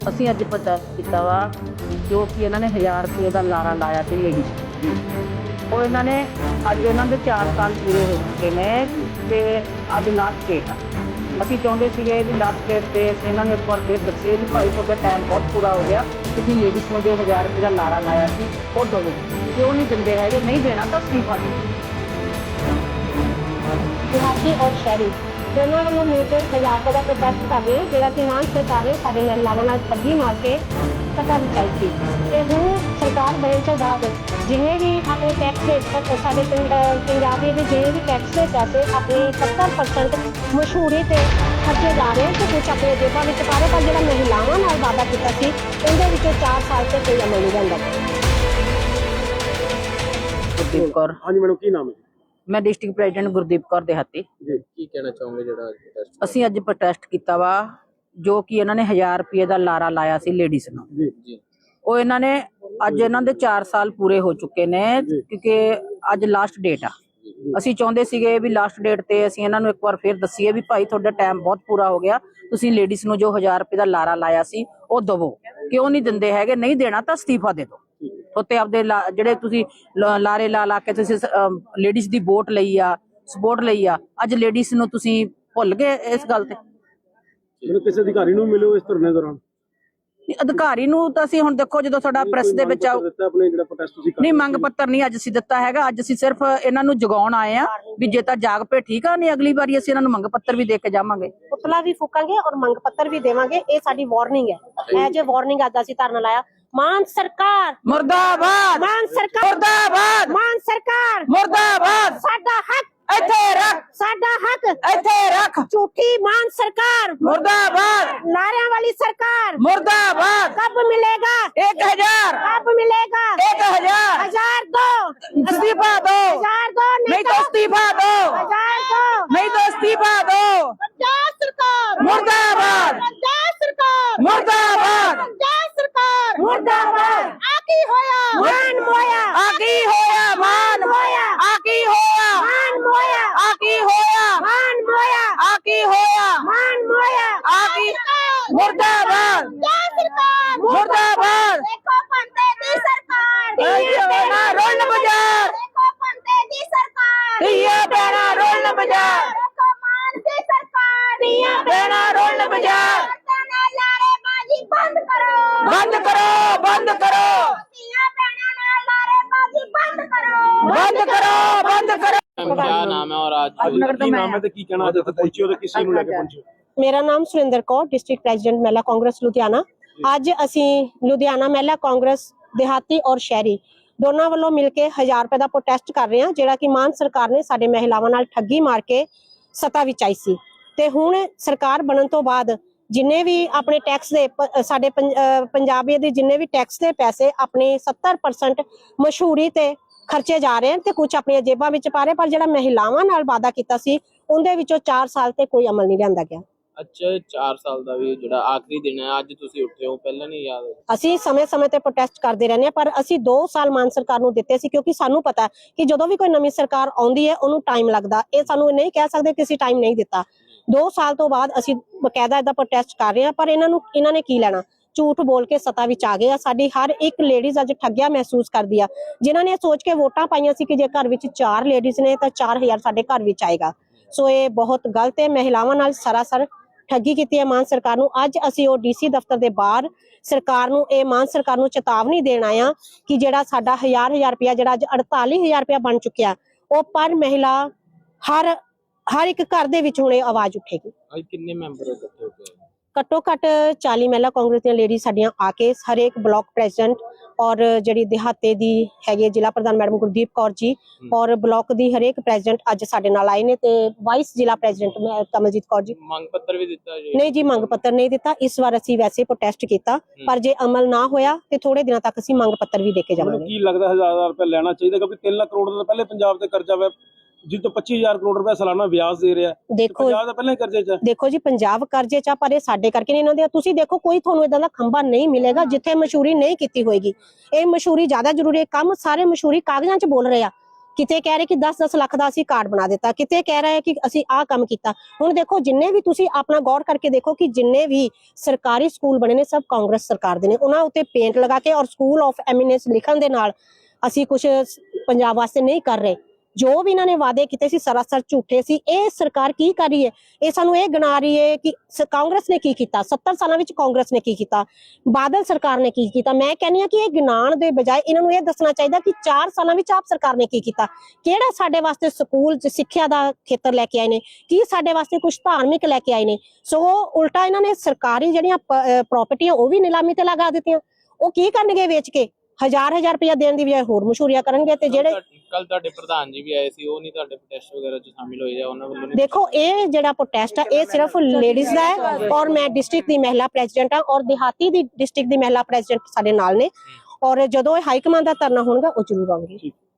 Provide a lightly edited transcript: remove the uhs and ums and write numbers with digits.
ਅਸੀਂ ਅੱਜ ਪ੍ਰੋਟੈਸਟ ਕੀਤਾ ਵਾ ਜੋ ਕਿ ਇਹਨਾਂ ਨੇ 1000 ਰੁਪਏ ਦਾ ਲਾਰਾ ਲਾਇਆ ਸੀ ਲੇਡੀ ਉਹ ਇਹਨਾਂ ਨੇ ਅੱਜ ਇਹਨਾਂ ਦੇ 4 ਸਾਲ ਪੂਰੇ ਹੋ ਚੁੱਕੇ ਨੇ ਤੇ ਅੱਜ ਲਾਸਟ ਡੇਟ ਆ। ਅਸੀਂ ਚਾਹੁੰਦੇ ਸੀਗੇ ਵੀ ਲਾਸਟ ਡੇਟ ਤੇ ਇਹਨਾਂ ਨੇ ਇੱਕ ਵਾਰ ਫਿਰ ਦੱਸੇ ਵੀ ਭਾਈ ਤੁਹਾਡਾ ਟਾਈਮ ਬਹੁਤ ਪੂਰਾ ਹੋ ਗਿਆ, ਤੁਸੀਂ ਲੇਡੀਜ਼ ਨੂੰ ਜੋ 1000 ਰੁਪਏ ਦਾ ਲਾਰਾ ਲਾਇਆ ਸੀ ਉਹ ਦਿਓ। ਕਿਉਂ ਨਹੀਂ ਦਿੰਦੇ ਹੈਗੇ? ਨਹੀਂ ਦੇਣਾ ਤਾਂ ਅਸਤੀਫਾ ਦਿਓ। ਦਿਹਾਤੀ ਔਰ ਸ਼ਹਿਰੀ ਦੋਨੋਂ ਵੱਲੋਂ ਮਿਲ ਕੇ 1000 ਰੁਪਏ ਦਾ ਪ੍ਰੋਟੈਸਟ ਕਰ ਰਹੇ ਜਿਹੜਾ ਕਿ ਮਾਨ ਸਰਕਾਰ ਨੇ ਸਾਡੇ ਮਹਿਲਾਵਾਂ ਨਾਲ ਠੱਗੀ ਮਾਰ ਕੇ ਸੱਤਾ ਵਿਚਾਈ ਸੀ। ਤੇ ਹੁਣ ਸਰਕਾਰ ਬਣਨ ਤੋਂ ਬਾਅਦ ਜਿੰਨੇ ਵੀ ਆਪਣੇ ਟੈਕਸ ਦੇ ਸਾਡੇ ਪੰਜਾਬ ਦੇ ਜਿਹੜੇ ਵੀ ਟੈਕਸ ਦੇ ਪੈਸੇ ਆਪਣੇ 70% ਮਸ਼ਹੂਰੀ ਤੇ ਖਰਚੇ ਜਾ ਰਹੇ ਤੇ ਕੁਝ ਆਪਣੇ ਜੇਬਾਂ ਵਿੱਚ ਪਾ ਰਹੇ, ਪਰ ਜਿਹੜਾ ਮਹਿਲਾਵਾਂ ਨਾਲ ਵਾਅਦਾ ਕੀਤਾ ਸੀ ਉਹਦੇ ਵਿੱਚੋਂ 4 ਸਾਲ ਤੇ ਕੋਈ ਅਮਲ ਨਹੀਂ ਜਾਂਦਾ। ਗੁਰਦੀਪ ਕੌਰ। हाँ जी मैडम, की नाम है? ਮੈਂ ਡਿਸਟ੍ਰਿਕਟ ਪ੍ਰੈਜ਼ੀਡੈਂਟ ਗੁਰਦੀਪ ਕੌਰ ਦੇਹਾਤੀ। जी की कहना चाहोगे ਜਿਹੜਾ ਪ੍ਰੋਟੈਸਟ? ਅਸੀਂ ਅੱਜ ਪ੍ਰੋਟੈਸਟ ਕੀਤਾ ਵਾ ਜੋ ਕਿ ਇਹਨਾਂ ਨੇ 1000 ਰੁਪਏ ਦਾ ਲਾਰਾ ਲਾਇਆ ਸੀ ਲੇਡੀਜ਼ ਨੂੰ। जी जी ਉਹ ਇਹਨਾਂ ਨੇ ਅੱਜ ਇਹਨਾਂ ਦੇ 4 ਸਾਲ ਪੂਰੇ ਹੋ ਚੁੱਕੇ ਨੇ ਕਿਉਂਕਿ ਅੱਜ ਲਾਸਟ ਡੇਟ ਆ। ਅਸੀਂ ਚਾਹੁੰਦੇ ਸੀਗੇ ਵੀ ਲਾਸਟ ਡੇਟ ਤੇ ਅਸੀਂ ਇਹਨਾਂ ਨੂੰ ਇੱਕ ਵਾਰ ਫਿਰ ਦੱਸੀਏ ਵੀ ਭਾਈ ਤੁਹਾਡਾ ਟਾਈਮ ਬਹੁਤ ਪੂਰਾ ਹੋ ਗਿਆ, ਤੁਸੀਂ ਲੇਡੀਜ਼ ਨੂੰ ਜੋ 1000 ਰੁਪਏ ਦਾ ਲਾਰਾ ਲਾਇਆ ਸੀ ਉਹ ਦਵੋ। ਕਿਉਂ ਨਹੀਂ ਦਿੰਦੇ ਹੈਗੇ? ਨਹੀਂ ਦੇਣਾ ਤਾਂ ਅਸਤੀਫਾ ਦੇ ਦਿਓ। ਉੱਤੇ ਆਪਦੇ ਜਿਹੜੇ ਤੁਸੀਂ ਲਾਰੇ ਲਾ ਕੇ ਤੁਸੀਂ ਲੇਡੀਜ਼ ਦੀ ਵੋਟ ਲਈ ਆ, ਸਪੋਰਟ ਲਈ ਆ, ਅੱਜ ਲੇਡੀਜ਼ ਨੂੰ ਤੁਸੀਂ ਭੁੱਲ ਗਏ ਇਸ ਗੱਲ ਤੇ। ਕਿਸੇ ਅਧਿਕਾਰੀ ਨੂੰ ਮਿਲਿਓ ਇਸ ਧਰਨੇ ਦੌਰਾਨ? ਅਧਿਕਾਰੀ ਨੂੰ ਤਾਂ ਅਸੀਂ ਹੁਣ ਦੇਖੋ ਜਦੋਂ ਤੁਹਾਡਾ ਪ੍ਰੈਸ ਦੇ ਵਿੱਚ ਆਪਣੇ ਜਿਹੜਾ ਪ੍ਰੋਟੈਸਟ ਤੁਸੀਂ ਨਹੀਂ ਮੰਗ ਪੱਤਰ ਨਹੀਂ ਅੱਜ ਅਸੀਂ ਦਿੱਤਾ ਹੈਗਾ। ਅੱਜ ਅਸੀਂ ਸਿਰਫ ਇਹਨਾਂ ਨੂੰ ਜਗਾਉਣ ਆਏ ਆ ਵੀ ਜੇ ਤਾਂ ਜਾਗ ਪਏ ਠੀਕ ਆ, ਨਹੀਂ ਅਗਲੀ ਵਾਰੀ ਅਸੀਂ ਇਹਨਾਂ ਨੂੰ ਮੰਗ ਪੱਤਰ ਵੀ ਦੇ ਕੇ ਜਾਵਾਂਗੇ, ਪੁਤਲਾ ਵੀ ਫੂਕਾਂਗੇ ਔਰ ਮੰਗ ਪੱਤਰ ਵੀ ਦੇਵਾਂਗੇ। ਇਹ ਸਾਡੀ ਵਾਰਨਿੰਗ ਹੈ। ਐਜ ਏ ਵਾਰਨਿੰਗ ਅੱਜ ਅਸੀਂ ਧਰਨਾ ਲਾਇਆ। ਮਾਨ ਸਰਕਾਰ ਮੁਰਦਾਬਾਦ, ਮਾਨ ਸਰਕਾਰ ਮੁਰਦਾਬਾਦ, ਮਾਨ ਸਰਕਾਰ ਮੁਰਦਾਬਾਦ। ਸਾਡਾ ਹੱਕ ਇੱਥੇ ਰੱਖ, ਸਾਡਾ ਹੱਕ ਇੱਥੇ ਰੱਖ। ਝੂਠੀ ਮਾਨ ਸਰਕਾਰ ਮੁਰਦਾਬਾਦ, ਨਾਰਿਆਂ ਵਾਲੀ ਸਰਕਾਰ ਮੁਰਦਾਬਾਦ। कब मिलेगा? 1000 कब मिलेगा? 1000 1000 दो, इस्तीफा दो, 1000 दो, नहीं तो इस्तीफा दो, 1000 दो, नहीं तो इस्तीफा दो। पंजाब सरकार मुर्दाबाद, पंजाब सरकार मुर्दाबाद, पंजाब सरकार मुर्दाबाद। आकी होया मान मोया आकी होया मान मोया आकी होया मान मोया आकी होया मान मोया आकी होया मान मोया आकी। मुर्दाबाद, पंजाब सरकार मुर्दाबाद। देखो पंते दी सरकार ये बेना रोल बाजार, देखो पंते दी सरकार ये बेना रोल बाजार, देखो मान दी सरकार ये बेना रोल बाजार। लारेबाजी बंद करो, बंद करो, बंद करो, दिया बहना लारेबाजी बंद करो, बंद करो, बंद करो। क्या नाम है और आज की नाम है तो की कहना ਅੱਜ ਪਹੁੰਚਿਓ ਤੇ ਕਿਸੇ ਨੂੰ ਲੈ ਕੇ ਪਹੁੰਚਿਓ? ਮੇਰਾ ਨਾਮ ਸੁਰਿੰਦਰ ਕੌਰ, ਡਿਸਟ੍ਰਿਕਟ ਪ੍ਰੈਜ਼ੀਡੈਂਟ ਮਹਿਲਾ ਕਾਂਗਰਸ ਲੁਧਿਆਣਾ। ਅੱਜ ਅਸੀਂ ਲੁਧਿਆਣਾ ਮਹਿਲਾ ਕਾਂਗਰਸ ਦਿਹਾਤੀ ਔਰ ਸ਼ਹਿਰੀ ਦੋਨਾਂ ਵੱਲੋਂ ਮਿਲ ਕੇ 1000 ਰੁਪਏ ਦਾ ਪ੍ਰੋਟੈਸਟ ਕਰ ਰਹੇ ਹਾਂ ਜਿਹੜਾ ਕਿ ਮਾਨ ਸਰਕਾਰ ਨੇ ਸਾਡੇ ਮਹਿਲਾਵਾਂ ਨਾਲ ਠੱਗੀ ਮਾਰ ਕੇ ਸੱਤਾ ਵਿੱਚ ਆਈ ਸੀ। ਤੇ ਹੁਣ ਸਰਕਾਰ ਬਣਨ ਤੋਂ ਬਾਅਦ ਜਿੰਨੇ ਵੀ ਆਪਣੇ ਟੈਕਸ ਦੇ ਸਾਡੇ ਪੰਜਾਬੀਆਂ ਦੇ ਜਿੰਨੇ ਵੀ ਟੈਕਸ ਦੇ ਪੈਸੇ ਆਪਣੇ 70% ਮਸ਼ਹੂਰੀ ਤੇ ਖਰਚੇ ਜਾ ਰਹੇ ਹਨ ਤੇ ਕੁਝ ਆਪਣੀਆਂ ਜੇਬਾਂ ਵਿੱਚ ਪਾ ਰਹੇ, ਪਰ ਜਿਹੜਾ ਮਹਿਲਾਵਾਂ ਨਾਲ ਵਾਅਦਾ ਕੀਤਾ ਸੀ ਉਹਦੇ ਵਿੱਚੋਂ 4 ਸਾਲ ਤੇ ਕੋਈ ਅਮਲ ਨਹੀਂ ਲਿਆਂਦਾ ਗਿਆ। ਅੱਛਾ 4 ਸਾਲ ਦਾ ਵੀ ਜਿਹੜਾ ਆਖਰੀ ਦਿਨ ਹੈ, ਅੱਜ ਤੁਸੀਂ ਉੱਠੇ ਹੋ, ਪਹਿਲਾਂ ਨਹੀਂ ਯਾਦ? ਅਸੀਂ ਸਮੇਂ-ਸਮੇਂ ਤੇ ਪ੍ਰੋਟੈਸਟ ਕਰਦੇ ਰਹਿੰਦੇ ਹਾਂ, ਪਰ ਅਸੀਂ 2 ਸਾਲ ਮਾਨ ਸਰਕਾਰ ਨੂੰ ਦਿੱਤੇ ਸੀ ਕਿਉਂਕਿ ਸਾਨੂੰ ਪਤਾ ਕਿ ਜਦੋਂ ਵੀ ਕੋਈ ਨਵੀਂ ਸਰਕਾਰ ਆਉਂਦੀ ਹੈ ਉਹਨੂੰ ਟਾਈਮ ਲੱਗਦਾ। ਇਹ ਸਾਨੂੰ ਨਹੀਂ ਕਹਿ ਸਕਦੇ ਕਿ ਅਸੀਂ ਟਾਈਮ ਨਹੀਂ ਦਿੱਤਾ। 2 ਸਾਲ ਤੋਂ ਬਾਅਦ ਅਸੀਂ ਬਕਾਇਦਾ ਇਹਦਾ ਪ੍ਰੋਟੈਸਟ ਕਰ ਰਹੇ ਹਾਂ, ਪਰ ਇਹਨਾਂ ਨੇ ਕੀ ਲੈਣਾ? ਝੂਠ ਬੋਲ ਕੇ ਸੱਤਾ ਵਿੱਚ ਆ ਗਏ ਆ। ਸਾਡੀ ਹਰ ਇੱਕ ਲੇਡੀਜ਼ ਅੱਜ ਠੱਗਿਆ ਮਹਿਸੂਸ ਕਰਦੀ ਆ, ਜਿਨ੍ਹਾਂ ਨੇ ਸੋਚ ਕੇ ਵੋਟਾਂ ਪਾਈਆਂ ਸੀ ਕਿ ਜੇ ਘਰ ਵਿੱਚ 4 ਲੇਡੀਜ਼ ਨੇ ਤਾਂ 4000 ਸਾਡੇ ਘਰ ਵਿੱਚ ਆਏਗਾ। ਸੋ ਇਹ ਬਹੁਤ ਗਲਤ ਹੈ। ਮਹਿਲਾਵਾਂ ਨਾਲ ਸਰਾਸਰ ਠੱਗੀ ਕੀਤੀ ਹੈ ਮਾਨ ਸਰਕਾਰ ਨੂੰ। ਅੱਜ ਅਸੀਂ ਉਹ ਡੀਸੀ ਦਫ਼ਤਰ ਦੇ ਬਾਹਰ ਸਰਕਾਰ ਨੂੰ ਮਾਨ ਸਰਕਾਰ ਨੂੰ ਚੇਤਾਵਨੀ ਦੇਣ ਆਏ ਆ ਕਿ ਜਿਹੜਾ ਸਾਡਾ 1000 ਰੁਪਇਆ ਜਿਹੜਾ ਅੱਜ 48000 ਰੁਪਇਆ ਬਣ ਚੁੱਕਿਆ, ਉਹ ਪਰ ਮਹਿਲਾ ਹਰ ਇੱਕ ਘਰ ਦੇ ਵਿੱਚ ਹੁਣ ਇਹ ਆਵਾਜ਼ ਉੱਠੇਗੀ। ਅੱਜ ਕਿੰਨੇ ਮੈਂਬਰ ਇਕੱਠੇ ਹੋ ਗਏ? ਘੱਟੋ ਘੱਟ 40 ਮਹਿਲਾ ਕਾਂਗਰਸ ਦੀਆਂ ਲੇਡੀ ਸਾਡੀਆਂ ਆ ਕੇ ਹਰੇਕ ਬਲਾਕ ਪ੍ਰੈਜ਼ੀਡੈਂਟ ਔਰ ਜਿਹੜੀ ਦਿਹਾਤੇ ਦੀ ਹੈਗੀ ਜ਼ਿਲ੍ਹਾ ਪ੍ਰਧਾਨ ਮੈਡਮ ਗੁਰਦੀਪ ਕੌਰ ਜੀ ਔਰ ਬਲਾਕ ਦੀ ਹਰੇਕ ਪ੍ਰੈਜ਼ੀਡੈਂਟ ਅੱਜ ਸਾਡੇ ਨਾਲ ਆਏ ਨੇ ਤੇ ਵਾਈਸ ਜ਼ਿਲ੍ਹਾ ਪ੍ਰੈਜ਼ੀਡੈਂਟ ਕਮਲਜੀਤ ਕੌਰ ਜੀ। ਮੰਗ ਪੱਤਰ ਵੀ ਦਿੱਤਾ ਜੀ? ਨਹੀਂ ਜੀ, ਮੰਗ ਪੱਤਰ ਨਹੀਂ ਦਿੱਤਾ। ਇਸ ਵਾਰ ਅਸੀਂ ਵੈਸੇ ਪ੍ਰੋਟੈਸਟ ਕੀਤਾ, ਪਰ ਜੇ ਅਮਲ ਨਾ ਹੋਇਆ ਤੇ ਥੋੜੇ ਦਿਨਾਂ ਤੱਕ ਅਸੀਂ ਮੰਗ ਪੱਤਰ ਵੀ ਦੇ ਕੇ ਜਾਵਾਂਗੇ। ਕੀ ਲੱਗਦਾ 1000 ਰੁਪਏ ਲੈਣਾ ਚਾਹੀਦਾ ਕਿਉਂਕਿ 3 ਲੱਖ ਕਰੋੜ ਦਾ ਪਹਿਲੇ ਪੰਜਾਬ ਤੇ ਕਰਜ਼ਾ ਵਾ, ਜਿੱਦੋਂ 25000 ਕਰੋੜ ਰੁਪਏ ਸਾਲਾਨਾ ਵਿਆਜ ਦੇ ਰਿਹਾ। ਦੇਖੋ ਪੰਜਾਬ ਦਾ ਪਹਿਲਾਂ ਹੀ ਕਰਜ਼ੇ 'ਚ। ਦੇਖੋ ਜੀ, ਪੰਜਾਬ ਕਰਜ਼ੇ 'ਚ, ਪਰ ਇਹ ਸਾਡੇ ਕਰਕੇ ਨਹੀਂ ਇਹਨਾਂ ਦੇ। ਤੁਸੀਂ ਦੇਖੋ ਕੋਈ ਤੁਹਾਨੂੰ ਇਦਾਂ ਦਾ ਖੰਭਾ ਨਹੀਂ ਮਿਲੇਗਾ ਜਿੱਥੇ ਮਸ਼ਹੂਰੀ ਨਹੀਂ ਕੀਤੀ ਹੋਏਗੀ। ਇਹ ਮਸ਼ਹੂਰੀ ਜ਼ਿਆਦਾ ਜ਼ਰੂਰੀ ਹੈ। ਕੰਮ ਸਾਰੇ ਮਸ਼ਹੂਰੀ ਕਾਗਜ਼ਾਂ 'ਚ ਬੋਲ ਰਹੇ ਆ, ਕਿਤੇ ਕਹਿ ਰਹੇ ਕਿ 10-10 ਲੱਖ ਦਾ ਅਸੀਂ ਕਾਰਡ ਬਣਾ ਦਿੱਤਾ, ਕਿਤੇ ਕਹਿ ਰਹੇ ਕਿ ਅਸੀਂ ਆਹ ਕੰਮ ਕੀਤਾ। ਹੁਣ ਦੇਖੋ ਜਿੰਨੇ ਵੀ ਤੁਸੀਂ ਆਪਣਾ ਗੌਰ ਕਰਕੇ ਦੇਖੋ ਕਿ ਜਿੰਨੇ ਵੀ ਸਰਕਾਰੀ ਸਕੂਲ ਬਣੇ ਨੇ ਸਭ ਕਾਂਗਰਸ ਸਰਕਾਰ ਦੇ ਨੇ। ਉਹਨਾਂ ਉੱਤੇ ਪੇਂਟ ਲਗਾ ਕੇ ਔਰ ਸਕੂਲ ਆਫ ਐਮੀਨੈਂਸ ਲਿਖਣ ਦੇ ਨਾਲ ਅਸੀਂ ਕੁਝ ਪੰਜਾਬ ਵਾਸਤੇ ਨਹੀਂ ਕਰ ਰਹੇ। ਜੋ ਵੀ ਇਹਨਾਂ ਨੇ ਵਾਅਦੇ ਕੀਤੇ ਸੀ ਸਰਾਸਰ ਝੂਠੇ ਸੀ। ਇਹ ਸਰਕਾਰ ਕੀ ਕਰ ਰਹੀ ਹੈ? ਇਹ ਸਾਨੂੰ ਇਹ ਗਿਣਾ ਰਹੀ ਹੈ ਕਿ ਕਾਂਗਰਸ ਨੇ ਕੀ ਕੀਤਾ, 70 ਸਾਲਾਂ ਵਿੱਚ ਕਾਂਗਰਸ ਨੇ ਕੀ ਕੀਤਾ, ਬਾਦਲ ਸਰਕਾਰ ਨੇ ਕੀ ਕੀਤਾ। ਮੈਂ ਕਹਿੰਦੀ ਹਾਂ ਕਿ ਇਹ ਗਿਣਾਉਣ ਦੇ ਬਜਾਏ ਇਹਨਾਂ ਨੂੰ ਇਹ ਦੱਸਣਾ ਚਾਹੀਦਾ ਕਿ 4 ਸਾਲਾਂ ਵਿੱਚ ਆਪ ਸਰਕਾਰ ਨੇ ਕੀ ਕੀਤਾ, ਕਿਹੜਾ ਸਾਡੇ ਵਾਸਤੇ ਸਕੂਲ 'ਚ ਸਿੱਖਿਆ ਦਾ ਖੇਤਰ ਲੈ ਕੇ ਆਏ ਨੇ, ਕੀ ਸਾਡੇ ਵਾਸਤੇ ਕੁਝ ਧਾਰਮਿਕ ਲੈ ਕੇ ਆਏ ਨੇ। ਸੋ ਉਲਟਾ ਇਹਨਾਂ ਨੇ ਸਰਕਾਰੀ ਜਿਹੜੀਆਂ ਪ੍ਰਾਪਰਟੀਆਂ ਉਹ ਵੀ ਨਿਲਾਮੀ ਤੇ ਲਗਾ ਦਿੱਤੀਆਂ। ਉਹ ਕੀ ਕਰਨਗੇ ਵੇਚ ਕੇ? 1000 ਰੁਪਇਆ ਦੇਣ ਦੀ ਬਜਾਏ ਹੋਰ ਮਸ਼ਹੂਰੀਆਂ ਕਰਨਗੇ। ਤੇ ਜਿਹੜੇ ਕੱਲ ਤੁਹਾਡੇ ਪ੍ਰਧਾਨ ਜੀ ਵੀ ਆਏ ਸੀ, ਉਹ ਨਹੀਂ ਤੁਹਾਡੇ ਪ੍ਰੋਟੈਸਟ ਵਗੈਰਾ 'ਚ ਸ਼ਾਮਿਲ ਹੋਏ ਜਾਂ ਉਹਨਾਂ ਵੱਲੋਂ ਨਹੀਂ? ਦੇਖੋ ਇਹ ਜਿਹੜਾ ਪ੍ਰੋਟੈਸਟ ਆ ਇਹ ਸਿਰਫ ਲੇਡੀਜ਼ ਦਾ ਹੈ ਔਰ ਮੈਂ ਡਿਸਟ੍ਰਿਕਟ ਦੀ ਮਹਿਲਾ ਪ੍ਰੈਜ਼ੀਡੈਂਟ ਆ ਔਰ ਦਿਹਾਤੀ ਦੀ ਡਿਸਟ੍ਰਿਕਟ ਦੀ ਮਹਿਲਾ ਪ੍ਰੈਜ਼ੀਡੈਂਟ ਸਾਡੇ ਨਾਲ ਨੇ। ਔਰ ਜਦੋਂ ਇਹ ਹਾਈ ਕਮਾਂਡ ਦਾ ਧਰਨਾ ਹੋਣਗਾ ਉਹ ਜ਼ਰੂਰ ਆਉਣਗੇ।